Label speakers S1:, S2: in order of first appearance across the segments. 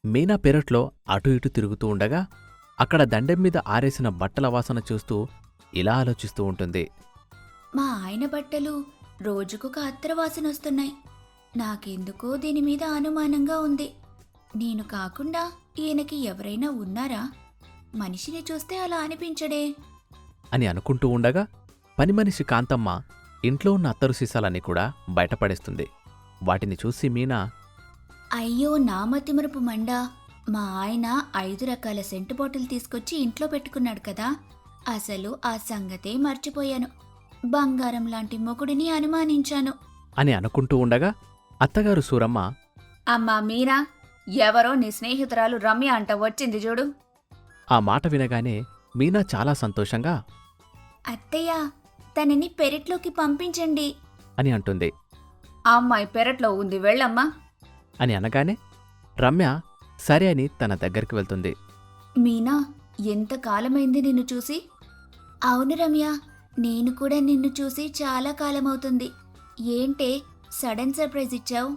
S1: మీనా పెరట్లో అటూ ఇటూ తిరుగుతూ ఉండగా అక్కడ దండెం మీద ఆరేసిన బట్టల వాసన చూస్తూ ఇలా ఆలోచిస్తూ ఉంటుంది.
S2: మా ఆయన బట్టలు రోజుకొక అత్తర వాసనొస్తున్నాయి. నాకెందుకో దీని మీద అనుమానంగా ఉంది. నేను కాకుండా ఈయనకి ఎవరైనా ఉన్నారా? మనిషిని చూస్తే అలా అనిపించడే.
S1: అని అనుకుంటూ ఉండగా పనిమనిషి కాంతమ్మ ఇంట్లో ఉన్న అత్తరు సీసాలన్నీ కూడా బయటపడేస్తుంది. వాటిని చూసి మీనా,
S2: అయ్యో నా మతిమరుపు మండా, మా ఆయన 5 రకాల సెంటు బాటిల్ తీసుకొచ్చి ఇంట్లో పెట్టుకున్నాడు కదా, అసలు ఆ సంగతే మర్చిపోయాను. బంగారం లాంటి మొగుడిని అనుమానించాను
S1: అని అనుకుంటూ ఉండగా అత్తగారు సూరమ్మ,
S2: అమ్మా మీరా, ఎవరో నీ స్నేహితురాలు రమ్య అంట వచ్చింది చూడు.
S1: ఆ మాట వినగానే మీనా చాలా సంతోషంగా
S2: అత్తయ్య, తనని పెరట్లోకి పంపించండి
S1: అని అంటుంది.
S2: ఆ అమ్మాయి పెరట్లో ఉంది, వెళ్ళమ్మా
S1: అని అనగానే రమ్య సరే అని తన దగ్గరికి వెళ్తుంది.
S2: మీనా, ఎంతకాలమైంది నిన్ను చూసి. అవును రమ్య, నేను కూడా నిన్ను చూసి చాలా కాలమవుతుంది. ఏంటే సడన్ సర్ప్రైజ్ ఇచ్చావు?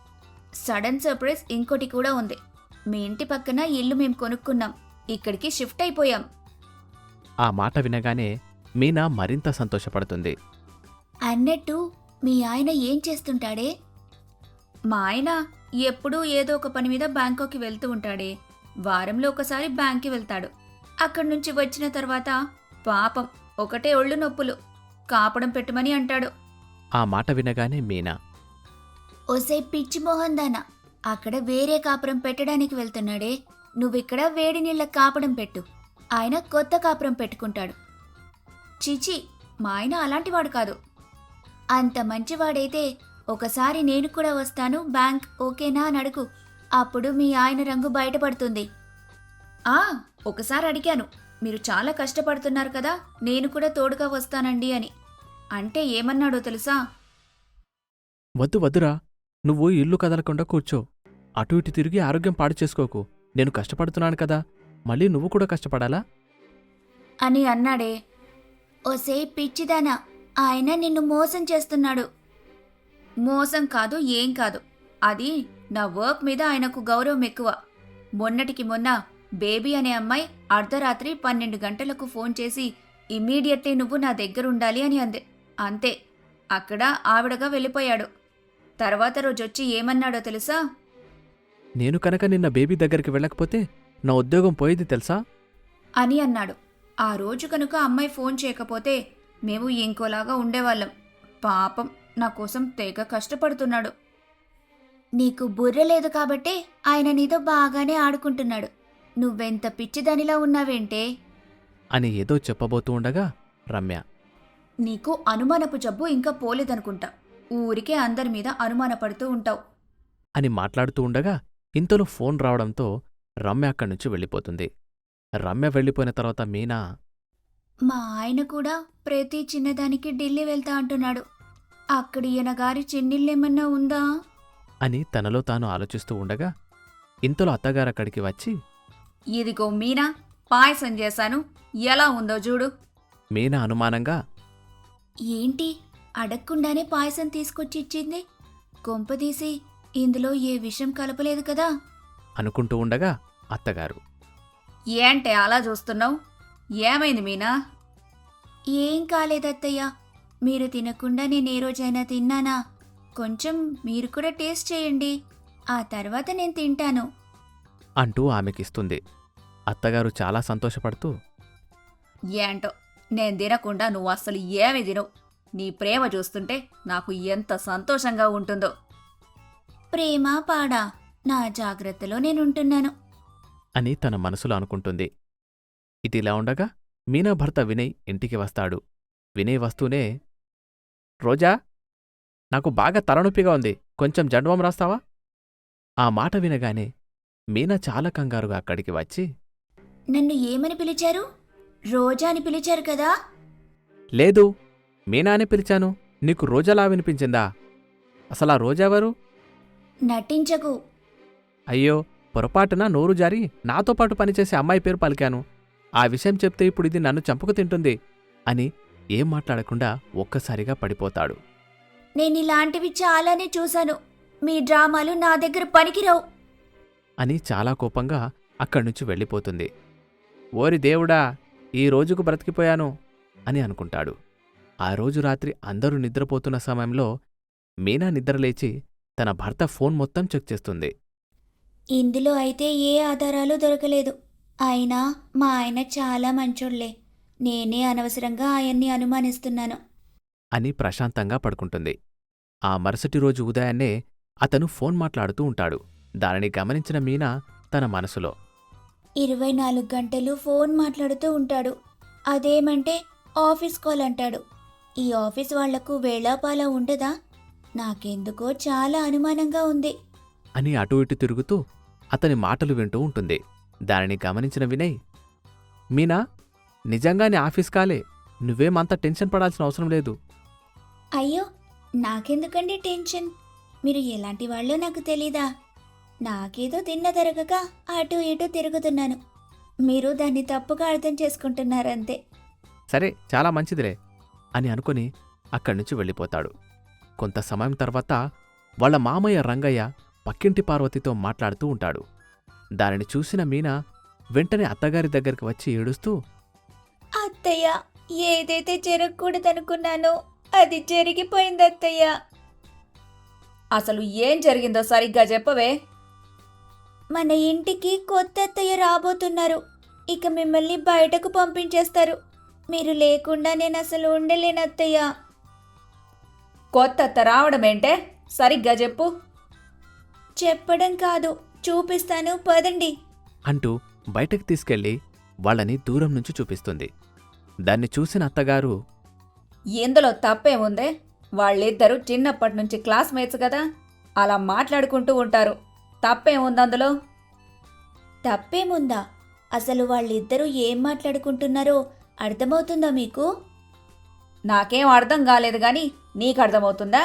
S2: సడన్ సర్ప్రైజ్ ఇంకోటి కూడా ఉంది. మీ ఇంటి పక్కన ఇల్లు మేం కొనుక్కున్నాం, ఇక్కడికి షిఫ్ట్ అయిపోయాం.
S1: ఆ మాట వినగానే మీనా మరింత సంతోషపడుతుంది.
S2: అన్నట్టు మీ ఆయన ఏం చేస్తుంటాడే? మా ఆయన ఎప్పుడూ ఏదో ఒక పని మీద బ్యాంకాక్కి వెళ్తూ ఉంటాడే. వారంలో ఒకసారి బ్యాంక్కి వెళ్తాడు. అక్కడి నుంచి వచ్చిన తర్వాత పాపం ఒకటే ఒళ్ళు నొప్పులు, కాపడం పెట్టమని అంటాడు.
S1: ఆ మాట వినగానే మీనా,
S2: ఓసే పిచ్చి మోహందానా, అక్కడ వేరే కాపురం పెట్టడానికి వెళ్తున్నాడే, నువ్విక్కడ వేడి నీళ్ళ కాపడం పెట్టు, ఆయన కొత్త కాపురం పెట్టుకుంటాడు. చిచి, మా ఆయన అలాంటివాడు కాదు. అంత మంచివాడైతే ఒకసారి నేను కూడా వస్తాను, బ్యాంక్ ఓకేనా అని అడుగు, అప్పుడు మీ ఆయన రంగు బయటపడుతుంది. ఒకసారి అడిగాను, మీరు చాలా కష్టపడుతున్నారు కదా, నేను కూడా తోడుగా వస్తానండి అని. అంటే ఏమన్నాడో తెలుసా?
S1: వద్దు వద్దురా, నువ్వు ఇల్లు కదలకుండా కూర్చో, అటు ఇటు తిరిగి ఆరోగ్యం పాడు చేసుకోకు, నేను కష్టపడుతున్నాను కదా, మళ్ళీ నువ్వు కూడా కష్టపడాలా
S2: అని అన్నాడే. ఓసే పిచ్చిదానా, ఆయన నిన్ను మోసం చేస్తున్నాడు. మోసం కాదు, ఏం కాదు, అది నా వర్క్ మీద ఆయనకు గౌరవం ఎక్కువ. మొన్నటికి మొన్న బేబీ అనే అమ్మాయి అర్ధరాత్రి 12 గంటలకు ఫోన్ చేసి ఇమ్మీడియట్లీ నువ్వు నా దగ్గరుండాలి అని అంది. అంతే, అక్కడ ఆవిడగా వెళ్ళిపోయాడు. తర్వాత రోజొచ్చి ఏమన్నాడో తెలుసా?
S1: నేను కనుక నిన్న బేబీ దగ్గరికి వెళ్ళకపోతే నా ఉద్యోగం పోయేది తెలుసా
S2: అని అన్నాడు. ఆ రోజు కనుక అమ్మాయి ఫోన్ చేయకపోతే మేము ఇంకోలాగా ఉండేవాళ్ళం. పాపం నా కోసం తెగ కష్టపడుతున్నాడు. నీకు బుర్ర లేదు కాబట్టే ఆయన నీతో బాగానే ఆడుకుంటున్నాడు. నువ్వెంత పిచ్చిదానిలా ఉన్నావేంటే
S1: అని ఏదో చెప్పబోతూ ఉండగా రమ్య,
S2: నీకు అనుమానపు జబ్బు ఇంకా పోలేదనుకుంటా, ఊరికే అందరి మీద అనుమానపడుతూ ఉంటావు
S1: అని మాట్లాడుతూ ఉండగా ఇంతలో ఫోన్ రావడంతో రమ్య అక్కడ్నుంచి వెళ్ళిపోతుంది. రమ్య వెళ్ళిపోయిన తర్వాత మీనా,
S2: మా ఆయన కూడా ప్రతి చిన్నదానికి ఢిల్లీ వెళ్తా అంటున్నాడు. అక్కడ ఈయన గారి చెన్నిళ్ళేమన్నా ఉందా
S1: అని తనలో తాను ఆలోచిస్తూ ఉండగా ఇంతలో అత్తగారక్కడికి వచ్చి,
S2: ఇదిగో మీనా, పాయసం చేశాను, ఎలా ఉందో చూడు.
S1: మీనా అనుమానంగా,
S2: ఏంటి అడగకుండానే పాయసం తీసుకొచ్చి ఇచ్చింది? కొంపదీసి ఇందులో ఏ విషం కలపలేదు కదా
S1: అనుకుంటూ ఉండగా అత్తగారు,
S2: ఏంటే అలా చూస్తున్నావు? ఏమైంది మీనా? ఏం కాలేదత్తయ్య, మీరు తినకుండా నేను ఏ రోజైనా తిన్నానా? కొంచెం మీరు కూడా టేస్ట్ చేయండి, ఆ తర్వాత నేను తింటాను
S1: అంటూ ఆమెకిస్తుంది. అత్తగారు చాలా సంతోషపడుతూ,
S2: ఏంటో నేను తినకుండా నువ్వు అస్సలు ఏమి తినవు. నీ ప్రేమ చూస్తుంటే నాకు ఎంత సంతోషంగా ఉంటుందో. ప్రేమ పాడా, నా జాగ్రత్తలో నేనుంటున్నాను
S1: అని తన మనసులో అనుకుంటుంది. ఇటిలా ఉండగా మీనా భర్త వినయ్ ఇంటికి వస్తాడు. వినయ్ వస్తూనే, రోజా, నాకు బాగా తలనొప్పిగా ఉంది, కొంచెం జండువం రాస్తావా? ఆ మాట వినగానే మీనా చాలా కంగారుగా అక్కడికి వచ్చి,
S2: నన్ను ఏమని పిలిచారు? రోజా అని పిలిచారు కదా?
S1: లేదు, మీనా అని పిలిచాను, నీకు రోజలా వినిపించిందా? అసలా రోజెవరు?
S2: నటించకు.
S1: అయ్యో, పొరపాటున నోరు జారి నాతో పాటు పనిచేసే అమ్మాయి పేరు పలికాను. ఆ విషయం చెప్తే ఇప్పుడు ఇది నన్ను చంపుకు తింటుంది అని ఏం మాట్లాడకుండా ఒక్కసారిగా పడిపోతాడు.
S2: నేనిలాంటివి చాలానే చూశాను, మీ డ్రామాలు నా దగ్గర పనికిరావు
S1: అని చాలా కోపంగా అక్కడ్నుంచి వెళ్ళిపోతుంది. ఓరి దేవుడా, ఈ రోజుకు బ్రతికిపోయాను అని అనుకుంటాడు. ఆ రోజు రాత్రి అందరూ నిద్రపోతున్న సమయంలో మీనా నిద్రలేచి తన భర్త ఫోన్ మొత్తం చెక్ చేస్తుంది.
S2: ఇందులో అయితే ఏ ఆధారాలు దొరకలేదు. అయినా మా ఆయన చాలా మంచోళ్లే. నేనే అనవసరంగా ఆయన్ని అనుమానిస్తున్నాను.
S1: అని ప్రశాంతంగా పడుకుంటుంది. ఆ మరుసటి రోజు ఉదయాన్నే అతను ఫోన్ మాట్లాడుతూ ఉంటాడు. దానిని గమనించిన మీనా తన మనసులో
S2: 24 గంటలు ఫోన్ మాట్లాడుతూ ఉంటాడు. అదేమంటే ఆఫీస్ కాల్ అంటాడు. ఈ ఆఫీస్ వాళ్లకు వేళాపాలా ఉండదా? నాకెందుకో చాలా అనుమానంగా ఉంది.
S1: అని అటూ ఇటు తిరుగుతూ అతని మాటలు వింటూ ఉంటుంది. దానిని గమనించిన వినయ్, మీనా, నిజంగానే ఆఫీస్ కాలే, నువ్వేమంత టెన్షన్ పడాల్సిన అవసరం లేదు.
S2: అయ్యో, నాకెందుకండి టెన్షన్? మీరు ఎలాంటి వాళ్ళో నాకు తెలీదా? నాకేదో తిన్న తరగక అటు ఇటు తిరుగుతున్నాను. మీరు దాన్ని తప్పుగా అర్థం చేసుకుంటున్నారంతే.
S1: సరే, చాలా మంచిదిలే అని అనుకుని అక్కడ్నుంచి వెళ్ళిపోతాడు. కొంత సమయం తర్వాత వాళ్ళ మామయ్య రంగయ్య పక్కింటి పార్వతితో మాట్లాడుతూ ఉంటాడు. దానిని చూసిన మీనా వెంటనే అత్తగారి దగ్గరికి వచ్చి ఏడుస్తూ,
S2: అత్తయ్య, ఏదైతే జరగకూడదనుకున్నానో అది జరిగిపోయింది అత్తయ్య.
S3: అసలు ఏం జరిగిందో సరిగ్గా చెప్పవే.
S2: మన ఇంటికి కొత్త అత్తయ్య రాబోతున్నారు. ఇక మిమ్మల్ని బయటకు పంపించేస్తారు. మీరు లేకుండా నేను అసలు ఉండలేను అత్తయ్య.
S3: కొత్త అత్త రావడమేంటే? సరిగ్గా చెప్పు.
S2: చెప్పడం కాదు, చూపిస్తాను, పదండి.
S1: అంటూ బయటకు తీసుకెళ్లి వాళ్ళని దూరం నుంచి చూపిస్తుంది. దాన్ని చూసిన అత్తగారు,
S3: ఇందులో తప్పేముందే? వాళ్ళిద్దరూ చిన్నప్పటి నుంచి క్లాస్మేట్స్ కదా, అలా మాట్లాడుకుంటూ ఉంటారు. తప్పేముందందులో?
S2: తప్పేముందా? అసలు వాళ్ళిద్దరూ ఏం మాట్లాడుకుంటున్నారో అర్థమవుతుందా మీకు?
S3: నాకేం అర్థం కాలేదు గాని నీకు అర్థమవుతుందా?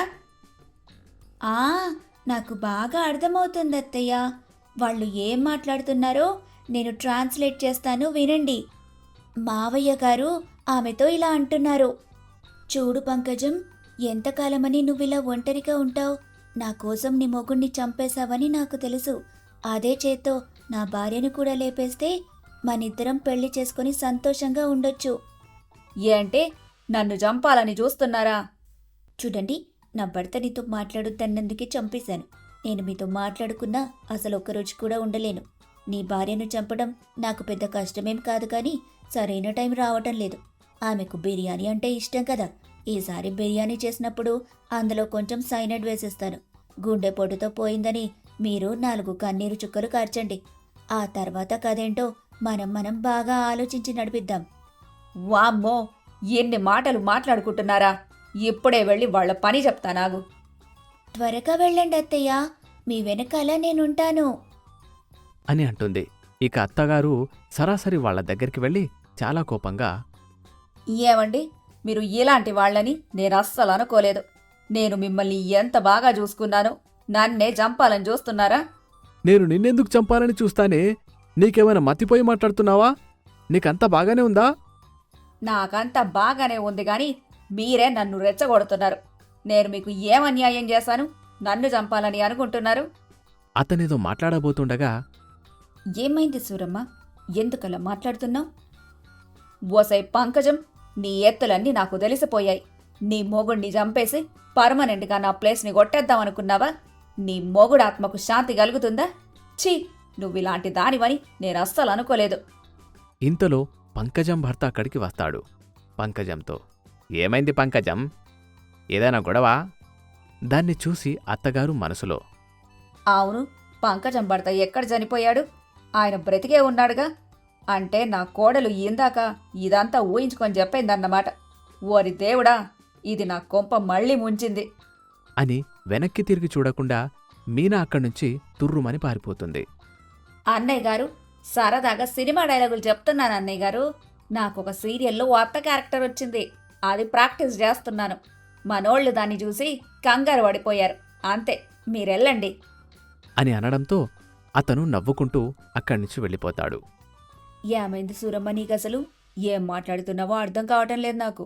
S2: ఆ, నాకు బాగా అర్థమవుతుంది అత్తయ్య. వాళ్ళు ఏం మాట్లాడుతున్నారో నేను ట్రాన్స్లేట్ చేస్తాను, వినండి. మావయ్య గారు ఆమెతో ఇలా అంటున్నారు. చూడు పంకజం, ఎంతకాలమని నువ్విలా ఒంటరిగా ఉంటావు? నా కోసం నీ మొగుణ్ణి చంపేశావని నాకు తెలుసు. అదే చేత్తో నా భార్యను కూడా లేపేస్తే మనిద్దరం పెళ్లి చేసుకుని సంతోషంగా ఉండొచ్చు.
S3: ఏంటి, నన్ను చంపాలని చూస్తున్నారా?
S2: చూడండి, నా భర్త నీతో మాట్లాడుతున్నందుకే చంపేశాను. నేను మీతో మాట్లాడుకున్నా అసలు ఒక్కరోజు కూడా ఉండలేను. నీ భార్యను చంపడం నాకు పెద్ద కష్టమేం కాదు, కానీ సరైన టైం రావటం లేదు. ఆమెకు బిర్యానీ అంటే ఇష్టం కదా. ఈసారి బిర్యానీ చేసినప్పుడు అందులో కొంచెం సైనైడ్ వేసేస్తాను. గుండెపోటుతో పోయిందని మీరు 4 కన్నీరు చుక్కలు కార్చండి. ఆ తర్వాత కదేంటో మనం బాగా ఆలోచించి నడిపిద్దాం.
S3: వామ్మో, ఎన్ని మాటలు మాట్లాడుకుంటున్నారా? ఇప్పుడే వెళ్ళి వాళ్ళ పని చెప్తానాగు.
S2: త్వరగా వెళ్ళండి అత్తయ్య, మీ వెనకాల నేనుంటాను
S1: అని అంటుంది. ఇక అత్తగారు సరాసరి వాళ్ళ దగ్గరికి వెళ్ళి చాలా కోపంగా,
S3: ఏమండి, మీరు ఇలాంటి వాళ్ళని నేను అస్సలు అనుకోలేదు. నేను మిమ్మల్ని ఎంత బాగా చూసుకున్నాను, నన్నే చంపాలని చూస్తున్నారా?
S1: నేను నిన్నెందుకు చంపాలని చూస్తానే? నీకేమైనా మతిపోయి మాట్లాడుతున్నావా? నీకంతా బాగానే ఉందా?
S3: నాకంతా బాగానే ఉంది గాని మీరే నన్ను రెచ్చగొడుతున్నారు. నేను మీకు ఏం అన్యాయం చేశాను నన్ను చంపాలని అనుకుంటున్నారు?
S1: అతనేదో మాట్లాడబోతుండగా,
S2: ఏమైంది సూరమ్మ, ఎందుకలా మాట్లాడుతున్నావు?
S3: ఓసై పంకజం, నీ ఎత్తులన్నీ నాకు తెలిసిపోయాయి. నీ మొగుణ్ణి చంపేసి పర్మనెంట్గా నా ప్లేస్ని కొట్టేద్దామనుకున్నావా? నీ మొగుడు ఆత్మకు శాంతి కలుగుతుందా? ఛీ, నువ్విలాంటి దానివని నేను అస్సలు అనుకోలేదు.
S1: ఇంతలో పంకజం భర్త అక్కడికి వస్తాడు. పంకజంతో, ఏమైంది పంకజం? ఏదైనా గొడవా? దాన్ని చూసి అత్తగారు మనసులో,
S3: అవును, పంకజం భర్త ఎక్కడ చనిపోయాడు? ఆయన బ్రతికే ఉన్నాడుగా. అంటే నా కోడలు ఇందాక ఇదంతా ఊహించుకొని చెప్పిందన్నమాట. ఓరి దేవుడా, ఇది నా కొంప మళ్ళీ ముంచింది
S1: అని వెనక్కి తిరిగి చూడకుండా మీనా అక్కడ్నుంచి తుర్రుమని పారిపోతుంది.
S3: అన్నయ్య గారు, సరదాగా సినిమా డైలాగులు చెప్తున్నాను అన్నయ్య గారు. నాకొక సీరియల్లో అత్త క్యారెక్టర్ వచ్చింది, అది ప్రాక్టీస్ చేస్తున్నాను. మనోళ్ళు దాన్ని చూసి కంగారు పడిపోయారు. అంతే, మీరెళ్ళండి
S1: అని అనడంతో అతను నవ్వుకుంటూ అక్కడ్నుంచి వెళ్ళిపోతాడు.
S3: ఏమైంది సూరమ్మ, నీకసలు ఏం మాట్లాడుతున్నావో అర్థం కావటం లేదు నాకు.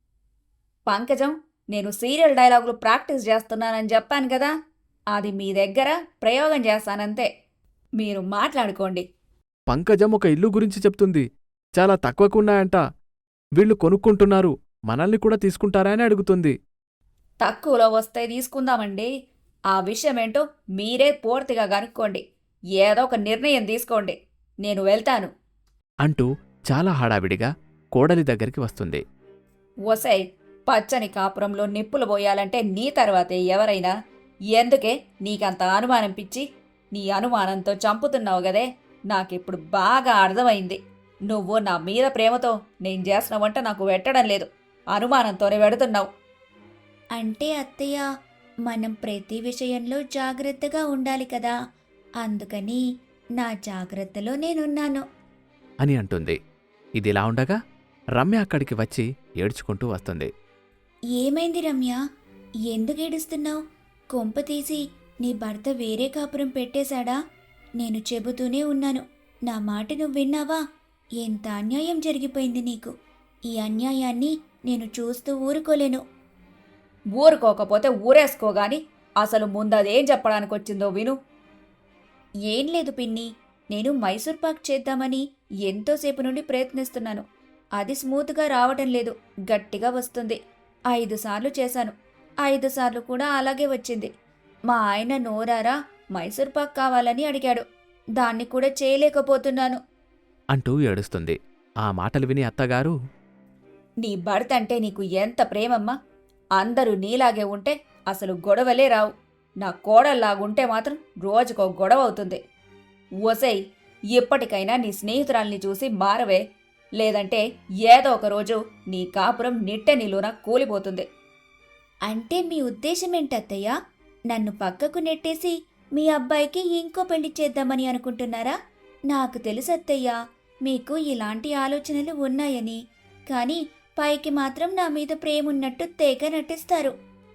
S3: పంకజం, నేను సీరియల్ డైలాగులు ప్రాక్టీస్ చేస్తున్నానని చెప్పాను కదా, అది మీ దగ్గర ప్రయోగం చేస్తానంతే. మీరు మాట్లాడుకోండి.
S1: పంకజం ఒక ఇల్లు గురించి చెప్తుంది. చాలా తక్కువకున్నాయంట. వీళ్ళు కొనుక్కుంటున్నారు. మనల్ని కూడా తీసుకుంటారా అని అడుగుతుంది.
S3: తక్కువలో వస్తే తీసుకుందామండి. ఆ విషయమేంటో మీరే పూర్తిగా కనుక్కోండి. ఏదో ఒక నిర్ణయం తీసుకోండి. నేను వెళ్తాను.
S1: అంటూ చాలా హడావిడిగా కోడలి దగ్గరికి వస్తుంది.
S3: ఒసై, పచ్చని కాపురంలో నిప్పులు పోయాలంటే నీ తర్వాతే ఎవరైనా. ఎందుకే నీకంత అనుమానం పిచ్చి? నీ అనుమానంతో చంపుతున్నావు గదే. నాకిప్పుడు బాగా అర్థమైంది. నువ్వు నా మీద ప్రేమతో నేను చేసిన వంట నాకు పెట్టడం లేదు. అనుమానంతోనే పెడుతున్నావు.
S2: అంటే అత్తయ్య, మనం ప్రతి విషయంలో జాగ్రత్తగా ఉండాలి కదా, అందుకని నా జాగ్రత్తలో నేనున్నాను.
S1: అని అంటుంది. ఇదిలా ఉండగా రమ్య అక్కడికి వచ్చి ఏడ్చుకుంటూ వస్తుంది.
S2: ఏమైంది రమ్య? ఎందుకు ఏడుస్తున్నావు? కొంప తీసి నీ భర్త వేరే కాపురం పెట్టేశాడా? నేను చెబుతూనే ఉన్నాను, నా మాట నువ్వు విన్నావా? ఎంత అన్యాయం జరిగిపోయింది నీకు. ఈ అన్యాయాన్ని నేను చూస్తూ ఊరుకోలేను.
S3: ఊరుకోకపోతే ఊరేసుకోగాని అసలు ముందదేం చెప్పడానికొచ్చిందో విను.
S2: ఏం లేదు పిన్ని, నేను మైసూర్ పాక్ చేద్దామని ఎంతోసేపు నుండి ప్రయత్నిస్తున్నాను. అది స్మూత్గా రావటం లేదు, గట్టిగా వస్తుంది. 5 సార్లు చేశాను. 5 సార్లు కూడా అలాగే వచ్చింది. మా ఆయన నోరారా మైసూర్ పాక్ కావాలని అడిగాడు. దాన్ని కూడా చేయలేకపోతున్నాను.
S1: అంటూ ఏడుస్తుంది. ఆ మాటలు విని అత్తగారు,
S3: నీ భర్త అంటే నీకు ఎంత ప్రేమమ్మా! అందరూ నీలాగే ఉంటే అసలు గొడవలే రావు. నా కోడల్లాగుంటే మాత్రం రోజుకో గొడవ అవుతుంది. ఒసై, ఇప్పటికైనా నీ స్నేహితురాల్ని చూసి మారవే. లేదంటే ఏదో ఒక రోజు నీ కాపురం నిట్టె నిలువున కూలిపోతుంది.
S2: అంటే మీ ఉద్దేశం ఏంటత్తయ్య? నన్ను పక్కకు నెట్టేసి మీ అబ్బాయికి ఇంకో పెళ్లి చేద్దామని అనుకుంటున్నారా? నాకు తెలుసు అత్తయ్య, మీకు ఇలాంటి ఆలోచనలు ఉన్నాయని. కానీ పైకి మాత్రం నా మీద ప్రేమున్నట్టు తెగ నటిస్తారు.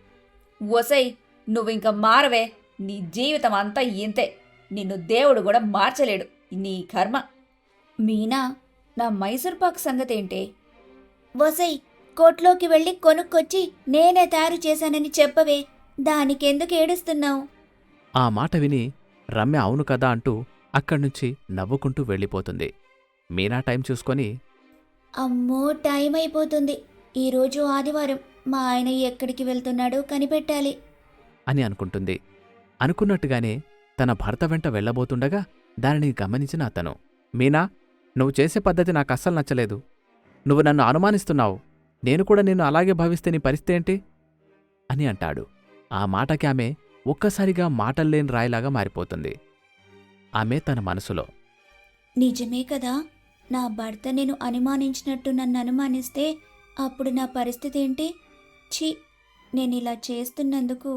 S3: ఒసై, నువ్వింక మారవే. నీ జీవితం అంతా ఇంతే. నిన్ను దేవుడు కూడా మార్చలేడు. నీ కర్మ.
S2: మీనా, నా మైసూర్ పాక్ సంగతేంటే? వసై, కోట్లోకి వెళ్ళి కొనుక్కొచ్చి నేనే తయారు చేశానని చెప్పవే. దానికెందుకు ఏడుస్తున్నావు?
S1: ఆ మాట విని రమ్య అవును కదా అంటూ అక్కడ్నుంచి నవ్వుకుంటూ వెళ్ళిపోతుంది. మీనా టైం చూసుకొని,
S2: అమ్మో, టైం అయిపోతుంది. ఈరోజు ఆదివారం. మా ఆయన ఎక్కడికి వెళ్తున్నాడో కనిపెట్టాలి
S1: అని అనుకుంటుంది. అనుకున్నట్టుగానే తన భర్త వెంట వెళ్ళబోతుండగా దానిని గమనించిన అతను, మీనా, నువ్వు చేసే పద్ధతి నాకస్సలు నచ్చలేదు. నువ్వు నన్ను అనుమానిస్తున్నావు. నేను కూడా నిన్ను అలాగే భావిస్తే నీ పరిస్థితి ఏంటి? అని అంటాడు. ఆ మాటకి ఆమె ఒక్కసారిగా మాటల్లేని రాయిలాగా మారిపోతుంది. ఆమె తన మనసులో,
S2: నిజమే కదా, నా భర్త నేను అనుమానించినట్టు నన్ను అనుమానిస్తే అప్పుడు నా పరిస్థితి ఏంటి? ఛీ, నేను ఇలా చేస్తున్నందుకు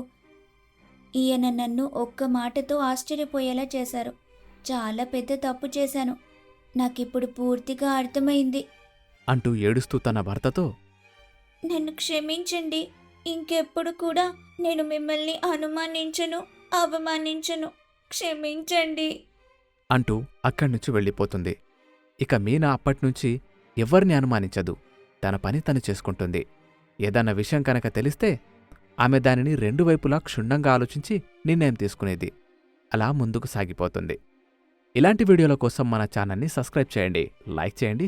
S2: ఈయన నన్ను ఒక్క మాటతో ఆశ్చర్యపోయేలా చేశారు. చాలా పెద్ద తప్పు చేశాను. నాకిప్పుడు పూర్తిగా అర్థమైంది
S1: అంటూ ఏడుస్తూ తన భర్తతో,
S2: నన్ను క్షమించండి. ఇంకెప్పుడు కూడా నేను మిమ్మల్ని అనుమానించను, అవమానించను. క్షమించండి
S1: అంటూ అక్కడ్నుంచి వెళ్ళిపోతుంది. ఇక మీనా అప్పట్నుంచి ఎవ్వరిని అనుమానించదు. తన పని తను చేసుకుంటుంది. ఏదన్న విషయం కనుక తెలిస్తే ఆమె దానిని 2 వైపులా క్షుణ్ణంగా ఆలోచించి నిర్ణయం తీసుకునేది. అలా ముందుకు సాగిపోతుంది. ఇలాంటి వీడియోల కోసం మన ఛానల్ని సబ్స్క్రైబ్ చేయండి, లైక్ చేయండి.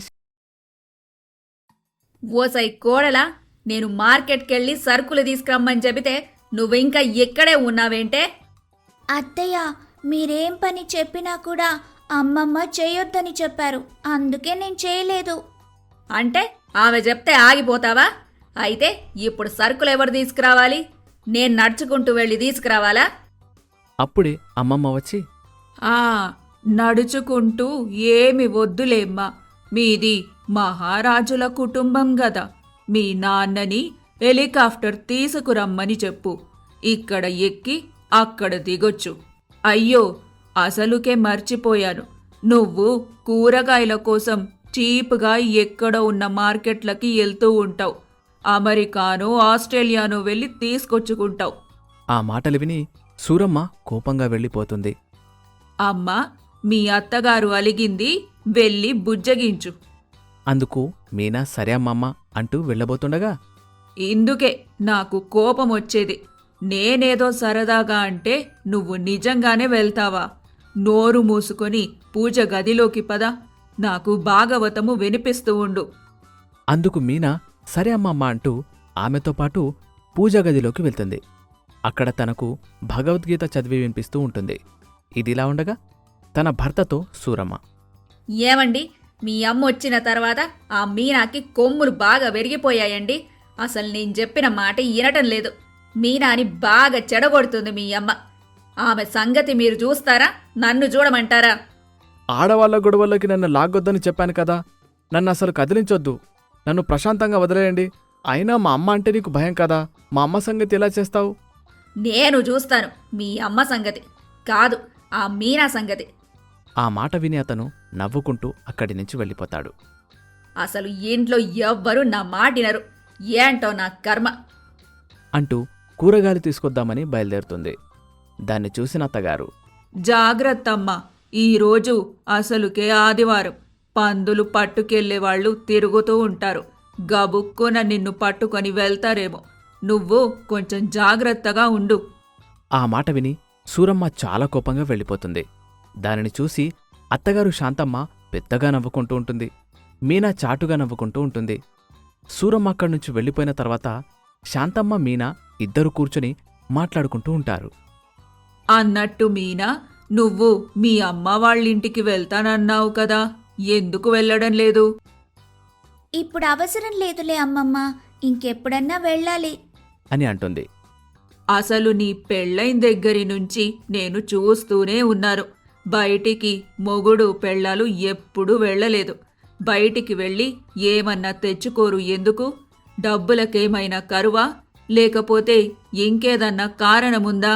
S3: ఓసై కోడలా, నేను మార్కెట్కెళ్ళి సరుకులు తీసుకురమ్మని చెబితే నువ్వింకా ఇక్కడే ఉన్నావేంటే?
S2: అత్తయ్య, మీరేం పని చెప్పినా కూడా అమ్మమ్మ చేయొద్దని చెప్పారు. అందుకే నేను చేయలేదు.
S3: అంటే ఆమె చెప్తే ఆగిపోతావా? అయితే ఇప్పుడు సరుకులు ఎవరు తీసుకురావాలి? నేను నడుచుకుంటూ వెళ్ళి తీసుకురావాలా?
S1: అప్పుడే అమ్మమ్మ వచ్చి,
S4: నడుచుకుంటూ ఏమి వద్దులేమ్మా. మీది మహారాజుల కుటుంబం గదా. మీ నాన్నని హెలికాప్టర్ తీసుకురమ్మని చెప్పు. ఇక్కడ ఎక్కి అక్కడ దిగొచ్చు. అయ్యో, అసలుకే మర్చిపోయాను. నువ్వు కూరగాయల కోసం చీప్గా ఎక్కడ ఉన్న మార్కెట్లకి వెళ్తూ ఉంటావు. అమెరికానో ఆస్ట్రేలియానో వెళ్ళి తీసుకొచ్చుకుంటావు.
S1: ఆ మాటలు విని సూరమ్మ కోపంగా వెళ్ళిపోతుంది.
S4: అమ్మా, మీ అత్తగారు అలిగింది, వెళ్ళి బుజ్జగించు.
S1: అందుకు మీనా సరే అమ్మమ్మ అంటూ వెళ్ళబోతుండగా,
S4: ఇందుకే నాకు కోపం వచ్చేది. నేనేదో సరదాగా అంటే నువ్వు నిజంగానే వెళ్తావా? నోరు మూసుకొని పూజ గదిలోకి పద. నాకు భాగవతము వినిపిస్తూ ఉండు.
S1: అందుకు మీనా సరే అమ్మమ్మ అంటూ ఆమెతో పాటు పూజగదిలోకి వెళ్తుంది. అక్కడ తనకు భగవద్గీత చదివి వినిపిస్తూ ఉంటుంది. ఇదిలా ఉండగా తన భర్తతో సూరమ్మ,
S3: ఏమండి, మీ అమ్మ వచ్చిన తర్వాత ఆ మీనాకి కొమ్ములు బాగా పెరిగిపోయాయండి. అసలు నేను చెప్పిన మాట వినటం లేదు. మీనాని బాగా చెడగొడుతుంది మీ అమ్మ. ఆమె సంగతి మీరు చూస్తారా, నన్ను చూడమంటారా?
S1: ఆడవాళ్ల గొడవల్లోకి నన్ను లాగొద్దని చెప్పాను కదా. నన్ను అసలు కదిలించొద్దు. నన్ను ప్రశాంతంగా వదిలేయండి. అయినా మా అమ్మ అంటే నీకు భయం కదా. మా అమ్మ సంగతి ఎలా చేస్తావు?
S3: నేను చూస్తాను మీ అమ్మ సంగతి కాదు, ఆ మీనా సంగతి.
S1: ఆ మాట విని అతను నవ్వుకుంటూ అక్కడి నుంచి వెళ్ళిపోతాడు.
S3: అసలు ఇంట్లో ఎవ్వరూ నా మాటినరు. ఏంటో నా కర్మ.
S1: అంటూ కూరగాయలు తీసుకొద్దామని బయలుదేరుతుంది. దాన్ని చూసిన అత్తగారు,
S4: జాగ్రత్తమ్మా, ఈరోజు అసలుకే ఆదివారం. పందులు పట్టుకెళ్లేవాళ్లు తిరుగుతూ ఉంటారు. గబుక్కున నిన్ను పట్టుకొని వెళ్తారేమో. నువ్వు కొంచెం జాగ్రత్తగా ఉండు.
S1: ఆ మాట విని సూరమ్మ చాలా కోపంగా వెళ్ళిపోతుంది. దానిని చూసి అత్తగారు శాంతమ్మ పెద్దగా నవ్వుకుంటూ ఉంటుంది. మీనా చాటుగా నవ్వుకుంటూ ఉంటుంది. సూరమ్మ అక్కడ్నుంచి వెళ్ళిపోయిన తర్వాత శాంతమ్మ మీనా ఇద్దరు కూర్చుని మాట్లాడుకుంటూ ఉంటారు.
S4: అన్నట్టు మీనా, నువ్వు మీ అమ్మ వాళ్ళింటికి వెళ్తానన్నావు కదా, ఎందుకు వెళ్ళడం లేదు?
S2: ఇప్పుడు అవసరం లేదులే అమ్మమ్మ, ఇంకెప్పుడన్నా వెళ్ళాలి.
S1: అని అంటుంది.
S4: అసలు నీ పెళ్ళైన దగ్గరి నుంచి నేను చూస్తూనే ఉన్నాను. బయటికి మొగుడు పెళ్ళాలు ఎప్పుడూ వెళ్ళలేదు. బయటికి వెళ్ళి ఏమన్నా తెచ్చుకోరు ఎందుకు? డబ్బులకేమైనా కరువా? లేకపోతే ఇంకేదన్నా కారణముందా?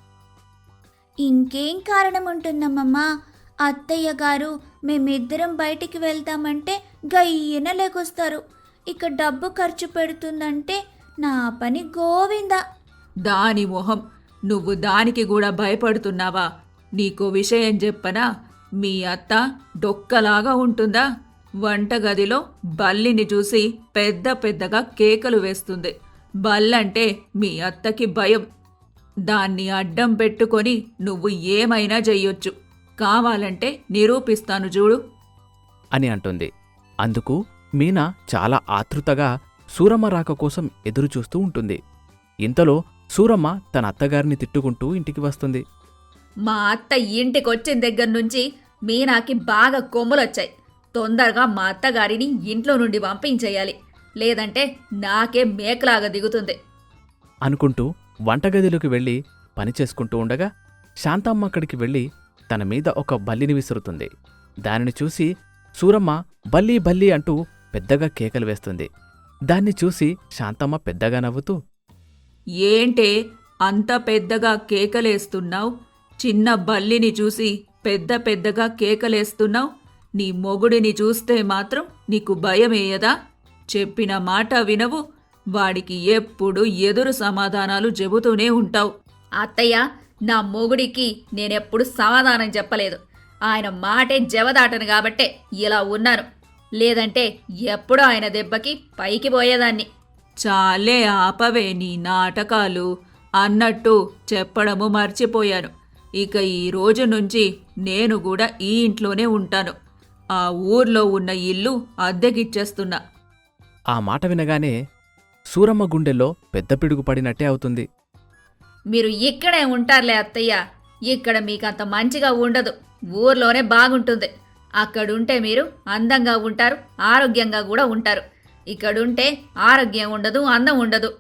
S2: ఇంకేం కారణం ఉంటుందమ్మమ్మా? అత్తయ్య గారు మేమిద్దరం బయటికి వెళ్తామంటే గయ్యన లేకొస్తారు. ఇక డబ్బు ఖర్చు పెడుతుందంటే నా పని గోవిందా.
S4: దాని మొహం, నువ్వు దానికి కూడా భయపడుతున్నావా? నీకో విషయం చెప్పనా? మీ అత్త డొక్కలాగా ఉంటుందా? వంటగదిలో బల్లిని చూసి పెద్ద పెద్దగా కేకలు వేస్తుంది. బల్లంటే మీ అత్తకి భయం. దాన్ని అడ్డం పెట్టుకొని నువ్వు ఏమైనా చెయ్యొచ్చు. కావాలంటే నిరూపిస్తాను చూడు
S1: అని అంటుంది. అందుకు మీనా చాలా ఆతృతగా సూరమ్మ రాక కోసం ఎదురుచూస్తూ ఉంటుంది. ఇంతలో సూరమ్మ తన అత్తగారిని తిట్టుకుంటూ ఇంటికి వస్తుంది.
S3: మా అత్త ఇంటికొచ్చిన దగ్గర నుంచి మీనాకి బాగా కొమ్ములొచ్చాయి. తొందరగా మా అత్తగారిని ఇంట్లో నుండి పంపించేయాలి, లేదంటే నాకే మేకలాగా దిగుతుంది.
S1: అనుకుంటూ వంటగదిలోకి వెళ్ళి పనిచేసుకుంటూ ఉండగా శాంతమ్మ అక్కడికి వెళ్ళి తన మీద ఒక బల్లిని విసురుతుంది. దానిని చూసి సూరమ్మ బల్లి బల్లి అంటూ పెద్దగా కేకలు వేస్తుంది. దాన్ని చూసి శాంతమ్మ పెద్దగా నవ్వుతూ,
S4: ఏంటే అంత పెద్దగా కేకలేస్తున్నావు? చిన్న బల్లిని చూసి పెద్ద పెద్దగా కేకలేస్తున్నావు? నీ మొగుడిని చూస్తే మాత్రం నీకు భయమేయదా? చెప్పిన మాట వినవు. వాడికి ఎప్పుడు ఎదురు సమాధానాలు చెబుతూనే ఉంటావు.
S3: అత్తయ్య, నా మొగుడికి నేనెప్పుడు సమాధానం చెప్పలేదు. ఆయన మాటే జవదాటను కాబట్టే ఇలా ఉన్నాను. లేదంటే ఎప్పుడో ఆయన దెబ్బకి పైకి పోయేదాన్ని.
S4: చాలే ఆపవే నీ నాటకాలు. అన్నట్టు చెప్పడము మర్చిపోయాను. ఇక ఈ రోజు నుంచి నేను కూడా ఈ ఇంట్లోనే ఉంటాను. ఆ ఊర్లో ఉన్న ఇల్లు అద్దెకిచ్చేస్తున్నా.
S1: ఆ మాట వినగానే సూరమ్మ గుండెల్లో పెద్ద పిడుగు పడినట్టే అవుతుంది.
S3: మీరు ఇక్కడే ఉంటారులే అత్తయ్య. ఇక్కడ మీకంత మంచిగా ఉండదు. ఊర్లోనే బాగుంటుంది. అక్కడుంటే మీరు అందంగా ఉంటారు, ఆరోగ్యంగా కూడా ఉంటారు. ఇక్కడుంటే ఆరోగ్యం ఉండదు, అందం ఉండదు.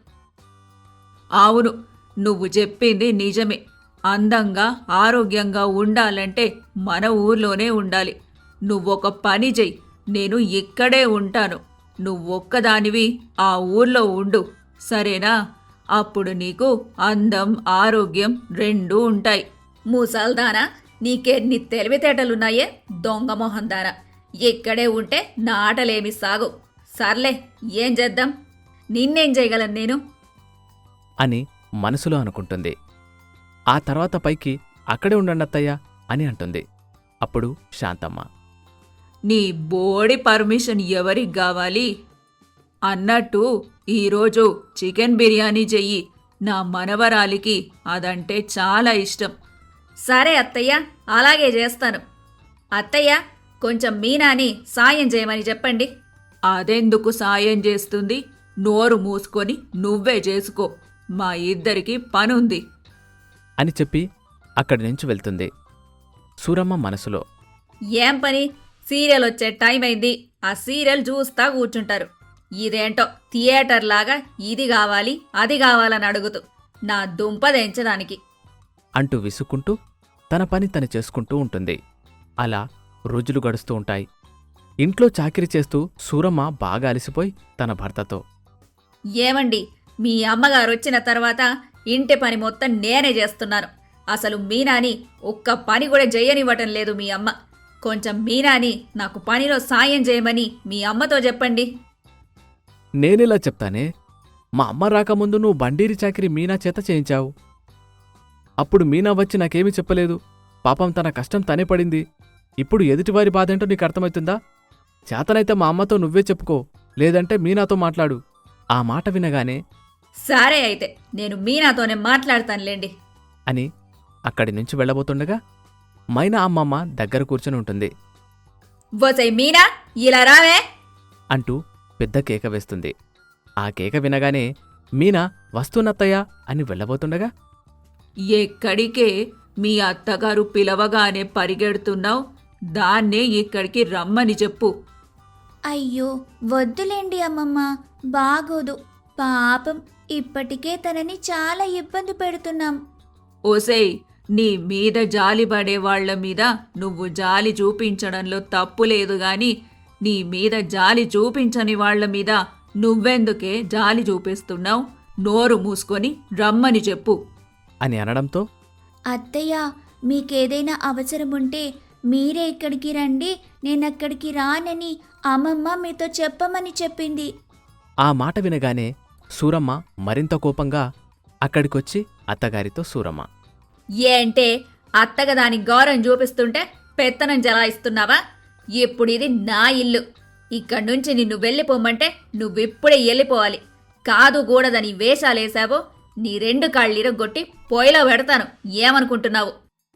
S4: అవును, నువ్వు చెప్పింది నిజమే. అందంగా ఆరోగ్యంగా ఉండాలంటే మన ఊర్లోనే ఉండాలి. నువ్వొక పని చెయ్యి, నేను ఇక్కడే ఉంటాను. నువ్వొక్కదానివి ఆ ఊర్లో ఉండు, సరేనా? అప్పుడు నీకు అందం ఆరోగ్యం రెండూ ఉంటాయి.
S3: మూసాల్దానా, నీకెన్ని తెలివితేటలున్నాయే దొంగ మొహందానా. ఇక్కడే ఉంటే నా ఆటలేమి సాగు. సర్లే, ఏం చేద్దాం? నిన్నేం చేయగలను నేను?
S1: అని మనసులో అనుకుంటుంది. ఆ తర్వాత పైకి అక్కడే ఉండండత్తయ్యా అని అంటుంది. అప్పుడు శాంతమ్మ,
S4: నీ బోడి పర్మిషన్ ఎవరికి కావాలి? అన్నట్టు ఈరోజు చికెన్ బిర్యానీ చెయ్యి. నా మనవరాలికి అదంటే చాలా ఇష్టం.
S3: సరే అత్తయ్య, అలాగే చేస్తాను. అత్తయ్య, కొంచెం మీనాని సాయం చేయమని చెప్పండి.
S4: అదెందుకు సాయం చేస్తుంది? నోరు మూసుకొని నువ్వే చేసుకో. మా ఇద్దరికి పనుంది
S1: అని చెప్పి అక్కడి నుంచి వెళ్తుంది. సూరమ్మ మనసులో,
S3: ఏం పని? సీరియల్ వచ్చే టైం అయింది, ఆ సీరియల్ చూస్తా కూర్చుంటారు. ఇదేంటో థియేటర్ లాగా ఇది కావాలి అది కావాలని అడుగుతూ నా దుంపదెంచడానికి.
S1: అంటూ విసుక్కుంటూ తన పని తను చేసుకుంటూ ఉంటుంది. అలా రోజులు గడుస్తూ ఉంటాయి. ఇంట్లో చాకిరీ చేస్తూ సూరమ్మ బాగా అలసిపోయి తన భర్తతో,
S3: ఏమండి, మీ అమ్మగారు వచ్చిన తర్వాత ఇంటి పని మొత్తం నేనే చేస్తున్నాను. అసలు మీనాని ఒక్క పని కూడా చేయనివ్వటం లేదు మీ అమ్మ. కొంచెం మీనాని నాకు పనిలో సాయం చేయమని మీ అమ్మతో చెప్పండి.
S1: నేనెలా చెప్తానే? మా అమ్మ రాకముందు నువ్వు బండీరి చాకిరీ మీనా చేత చేయించావు. అప్పుడు మీనా వచ్చి నాకేమీ చెప్పలేదు. పాపం తన కష్టం తనే పడింది. ఇప్పుడు ఎదుటివారి బాధేంటో నీకు అర్థమవుతుందా? చేతనైతే మా అమ్మతో నువ్వే చెప్పుకో, లేదంటే మీనాతో మాట్లాడు. ఆ మాట వినగానే
S3: సరే అయితే నేను మీనాతోనే మాట్లాడతానులేండి
S1: అని అక్కడి నుంచి వెళ్ళబోతుండగా మైనా అమ్మమ్మ దగ్గర కూర్చొని ఉంటుంది.
S3: వసై మీనా, ఇలా రావే
S1: అంటూ పెద్ద కేక వేస్తుంది. ఆ కేక వినగానే మీనా వస్తున్నత్తయ్యా అని వెళ్ళబోతుండగా
S4: ఎక్కడికే? మీ అత్తగారు పిలవగానే పరిగెడుతున్నావు. దాన్నే ఇక్కడికి రమ్మని చెప్పు.
S2: అయ్యో వద్దులేండి అమ్మమ్మ, బాగోదు. పాపం ఇప్పటికే తనని చాలా ఇబ్బంది పెడుతున్నాం.
S4: ఓసేయ్, నీ మీద జాలి పడే వాళ్ల మీద నువ్వు జాలి చూపించడంలో తప్పు లేదు గాని నీ మీద జాలి చూపించని వాళ్ల మీద నువ్వెందుకే జాలి చూపిస్తున్నావు? నోరు మూసుకొని రమ్మని చెప్పు
S1: అని అనడంతో
S2: అత్తయ్య, మీకేదైనా అవసరముంటే మీరే ఇక్కడికి రండి, నేనక్కడికి రానని అమ్మమ్మ మీతో చెప్పమని చెప్పింది.
S1: ఆ మాట వినగానే సూరమ్మ మరింత కోపంగా అక్కడికొచ్చి అత్తగారితో సూరమ్మ,
S3: ఏంటే అత్తగా దాని గౌరవం చూపిస్తుంటే పెత్తనం జలాయిస్తున్నావా? ఇప్పుడు ఇది నా ఇల్లు. ఇక్కడి నుంచి నిన్ను వెళ్ళిపోమంటే నువ్విప్పుడే వెళ్ళిపోవాలి. కాదు కూడదని వేషాలేశావో నీ 2 కాళ్ళిరగొట్టి పొయ్యిలో పెడతాను. ఏమనుకుంటున్నావు?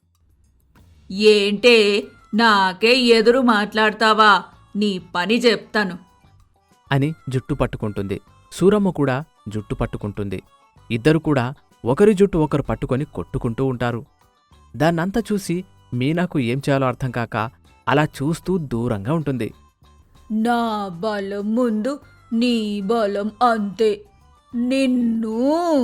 S4: ఏంటే నాకే ఎదురు మాట్లాడతావా? నీ పని చెప్తాను
S1: అని జుట్టు పట్టుకుంటుంది. సూరమ్మ కూడా జుట్టు పట్టుకుంటుంది. ఇద్దరు కూడా ఒకరి జుట్టు ఒకరు పట్టుకొని కొట్టుకుంటూ ఉంటారు. దాన్నంతా చూసి మీనాకు ఏం చేయాలో అర్థం కాక అలా చూస్తూ దూరంగా ఉంటుంది.
S4: నా బలం ముందు నీ బలం అంతే. నిన్ను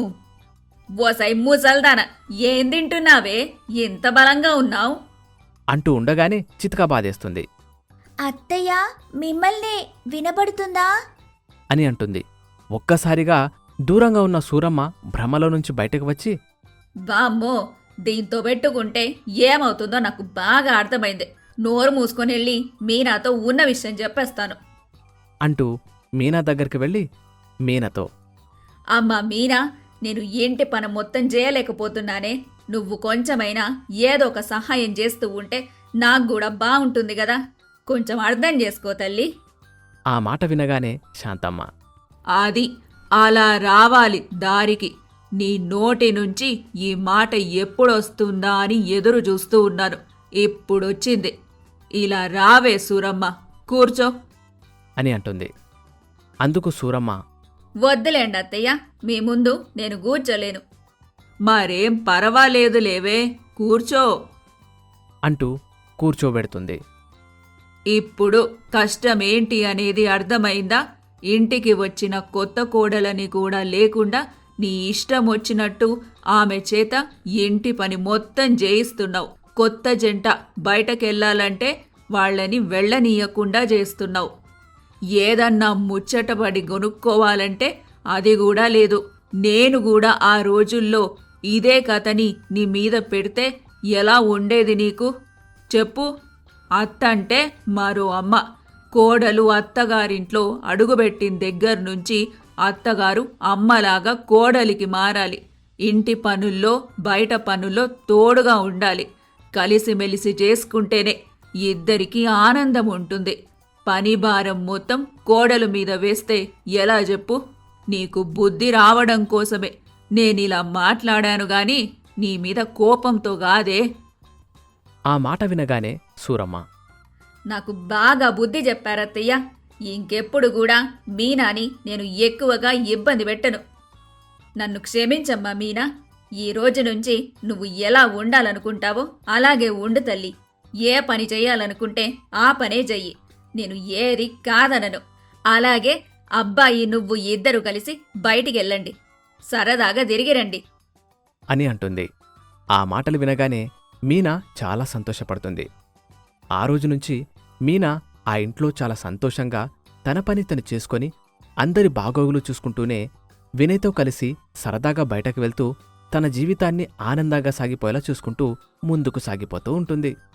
S3: ఓసై ముసల్దాన, ఏం తింటున్నావే? ఎంత బలంగా ఉన్నావు?
S1: అంటూ ఉండగానే చితకా బాధేస్తుంది
S2: అత్తయ్య, మిమ్మల్నే వినబడుతుందా?
S1: అని అంటుంది. ఒక్కసారిగా దూరంగా ఉన్న సూరమ్మ భ్రమలో నుంచి బయటకు వచ్చి,
S3: వామ్మో, దీంతో పెట్టుకుంటే ఏమవుతుందో నాకు బాగా అర్థమైంది. నోరు మూసుకొని వెళ్ళి మీనాతో ఉన్న విషయం చెప్పేస్తాను
S1: అంటూ మీనా దగ్గరికి వెళ్ళి మీనాతో,
S3: అమ్మా మీనా, నేను ఇంటి పని మొత్తం చేయలేకపోతున్నానే. నువ్వు కొంచెమైనా ఏదో ఒక సహాయం చేస్తూ ఉంటే నాకు కూడా బాగుంటుంది కదా. కొంచెం అర్థం చేసుకో తల్లి.
S1: ఆ మాట వినగానే శాంతమ్మ,
S4: అది అలా రావాలి దారికి. నీ నోటి నుంచి ఈ మాట ఎప్పుడొస్తుందా అని ఎదురు చూస్తూ ఉన్నాను. ఇప్పుడొచ్చింది. ఇలా రావే సూరమ్మ, కూర్చో
S1: అని అంటుంది. అందుకు సూరమ్మ,
S3: వద్దులేండి అత్తయ్య, మీ ముందు నేను కూర్చోలేను.
S4: మరేం పర్వాలేదు లేవే, కూర్చో
S1: అంటూ కూర్చోబెడుతుంది.
S4: ఇప్పుడు కష్టమేంటి అనేది అర్థమైందా? ఇంటికి వచ్చిన కొత్త కోడలని కూడా లేకుండా నీ ఇష్టం వచ్చినట్టు ఆమె చేత ఇంటి పని మొత్తం చేయిస్తున్నావు. కొత్త జంట బయటకెళ్లాలంటే వాళ్ళని వెళ్ళనీయకుండా చేస్తున్నావు. ఏదన్నా ముచ్చటపడి కొనుక్కోవాలంటే అది కూడా లేదు. నేను కూడా ఆ రోజుల్లో ఇదే కథని నీ మీద పెడితే ఎలా ఉండేది నీకు? చెప్పు. అత్తంటే మరో అమ్మ. కోడలు అత్తగారింట్లో అడుగుబెట్టిన దగ్గర నుంచి అత్తగారు అమ్మలాగా కోడలికి మారాలి. ఇంటి పనుల్లో బయట పనుల్లో తోడుగా ఉండాలి. కలిసిమెలిసి చేసుకుంటేనే ఇద్దరికీ ఆనందం ఉంటుంది. పని భారం మొత్తం కోడలు మీద వేస్తే ఎలా చెప్పు? నీకు బుద్ధి రావడం కోసమే నేనిలా మాట్లాడాను గాని నీ మీద కోపంతో కాదే
S1: ఆ మాట వినగానే సూరమ్మ
S4: నాకు బాగా బుద్ధి చెప్పారత్తయ్య. ఇంకెప్పుడు కూడా మీనాని నేను ఎక్కువగా ఇబ్బంది పెట్టను. నన్ను క్షమించమ్మా మీనా. ఈ రోజు నుంచి నువ్వు ఎలా ఉండాలనుకుంటావో అలాగే ఉండు తల్లి. ఏ పని చెయ్యాలనుకుంటే ఆ పనే చెయ్యి. నేను ఏది కాదనను. అలాగే అబ్బాయి నువ్వు ఇద్దరు కలిసి బయటికెళ్ళండి. సరదాగా తిరిగిరండి
S1: అని అంటుంది. ఆ మాటలు వినగానే మీనా చాలా సంతోషపడుతుంది. ఆ రోజు నుంచి మీనా ఆ ఇంట్లో చాలా సంతోషంగా తన పని తను చేసుకొని అందరి బాగోగులు చూసుకుంటూనే వినయ్తో కలిసి సరదాగా బయటకు వెళ్తూ తన జీవితాన్ని ఆనందంగా సాగిపోయేలా చూసుకుంటూ ముందుకు సాగిపోతూ ఉంటుంది.